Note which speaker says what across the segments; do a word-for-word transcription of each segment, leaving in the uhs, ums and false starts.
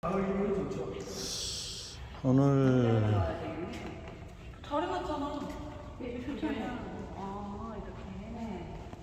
Speaker 1: 가을이면 좋죠.
Speaker 2: 오늘
Speaker 3: 잘 해놨잖아. 아, 이렇게.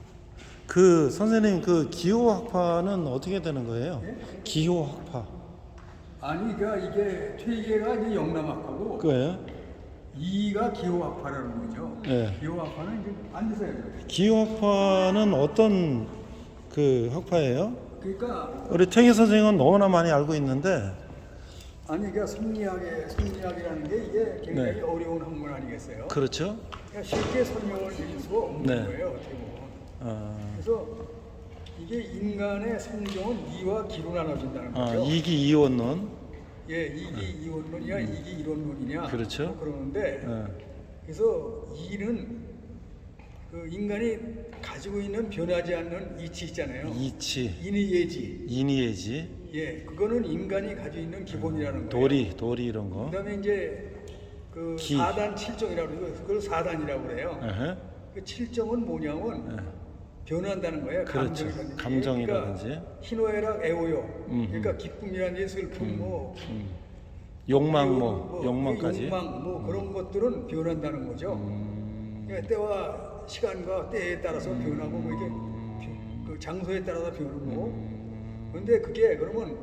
Speaker 2: 그 선생님 그 기호학파는 어떻게 되는 거예요? 기호학파
Speaker 1: 아니, 그러니까 이게 퇴계가 이제 영남학파고
Speaker 2: 그거예요?
Speaker 1: 이가 기호학파라는 거죠.
Speaker 2: 네.
Speaker 1: 기호학파는 이제 앉으서 해요.
Speaker 2: 기호학파는 어떤 그 학파예요?
Speaker 1: 그러니까
Speaker 2: 우리 퇴계 선생님은 너무나 많이 알고 있는데
Speaker 1: 아니, 그러니까 성리학의 성리학이라는 게 이게 굉장히
Speaker 2: 네.
Speaker 1: 어려운 학문 아니겠어요?
Speaker 2: 그렇죠?
Speaker 1: 그러니까 쉽게 설명을 드릴 수가 없는
Speaker 2: 네.
Speaker 1: 거예요, 어떻게 보면.
Speaker 2: 어,
Speaker 1: 그래서 이게 인간의 성정은 이와 기로 나눠진다는
Speaker 2: 어,
Speaker 1: 거죠.
Speaker 2: 이기 이원론
Speaker 1: 예, 이기 이원론이냐, 이기 이론론이냐.
Speaker 2: 그렇죠.
Speaker 1: 뭐 그러는데
Speaker 2: 어,
Speaker 1: 그래서 이는 그 인간이 가지고 있는 변하지 않는 이치 있잖아요.
Speaker 2: 이치
Speaker 1: 인의예지.
Speaker 2: 인의예지
Speaker 1: 예, 그거는 인간이 가지고 있는 기본이라는 거예요.
Speaker 2: 도리 도리 이런 거
Speaker 1: 그다음에 이제 그
Speaker 2: 기.
Speaker 1: 사단 칠정이라고 그러고 그걸 사단이라고 그래요.
Speaker 2: 에헤.
Speaker 1: 그 칠정은 뭐냐면
Speaker 2: 예.
Speaker 1: 변한다는 거예요.
Speaker 2: 그렇죠.
Speaker 1: 감정이라든지.
Speaker 2: 감정이라든지.
Speaker 1: 그러니까 희노애락 애호요.
Speaker 2: 음흠.
Speaker 1: 그러니까 기쁨이라든지 슬픔 뭐
Speaker 2: 음. 욕망
Speaker 1: 그리고
Speaker 2: 뭐 욕망까지
Speaker 1: 욕망 뭐 그런 것들은 변한다는 거죠.
Speaker 2: 음.
Speaker 1: 그러니까 때와 시간과 때에 따라서 변하고 뭐 이게 그 장소에 따라서 변하고.
Speaker 2: 음.
Speaker 1: 그런데 그게 그러면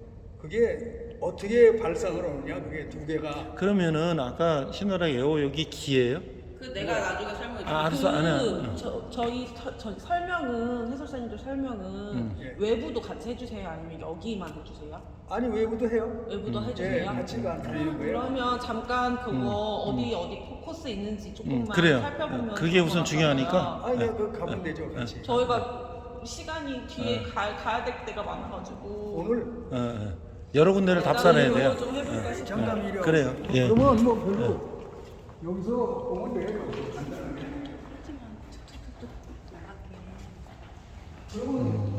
Speaker 1: 그게 어떻게 발상을 하느냐 그게 두 개가
Speaker 2: 그러면은 아까 신호랑 애호욕이 기예요?
Speaker 3: 그 내가 나중에 설명해 줄게.
Speaker 2: 아, 알았어. 안 해.
Speaker 3: 그 저, 저희 저, 저 설명은 해설사님들 설명은
Speaker 2: 음.
Speaker 1: 예.
Speaker 3: 외부도 같이 해주세요? 아니면 여기만 해주세요?
Speaker 1: 아니 외부도 해요.
Speaker 3: 외부도
Speaker 2: 음.
Speaker 1: 예,
Speaker 3: 해주세요?
Speaker 1: 같이가 안 틀리는 거예요.
Speaker 3: 그러면 잠깐 그거
Speaker 2: 음.
Speaker 3: 어디 어디 포커스 있는지 조금만
Speaker 2: 음, 그래요.
Speaker 3: 살펴보면
Speaker 2: 그게
Speaker 3: 좋을 것
Speaker 2: 우선
Speaker 3: 같아요.
Speaker 2: 중요하니까.
Speaker 1: 아니 내가 그 가면 되죠 같이.
Speaker 3: 저희가 시간이 뒤에
Speaker 2: 네.
Speaker 3: 가, 가야 될 때가 많아가지고
Speaker 1: 오늘
Speaker 2: 어, 어. 여러 군데를 답사해야 돼요.
Speaker 3: 좀 해볼까 싶어요.
Speaker 1: 잠깐 이려.
Speaker 2: 그래요. 예.
Speaker 1: 그러면 뭐 별로 여기서 보면 돼요. 간단하게. 그러면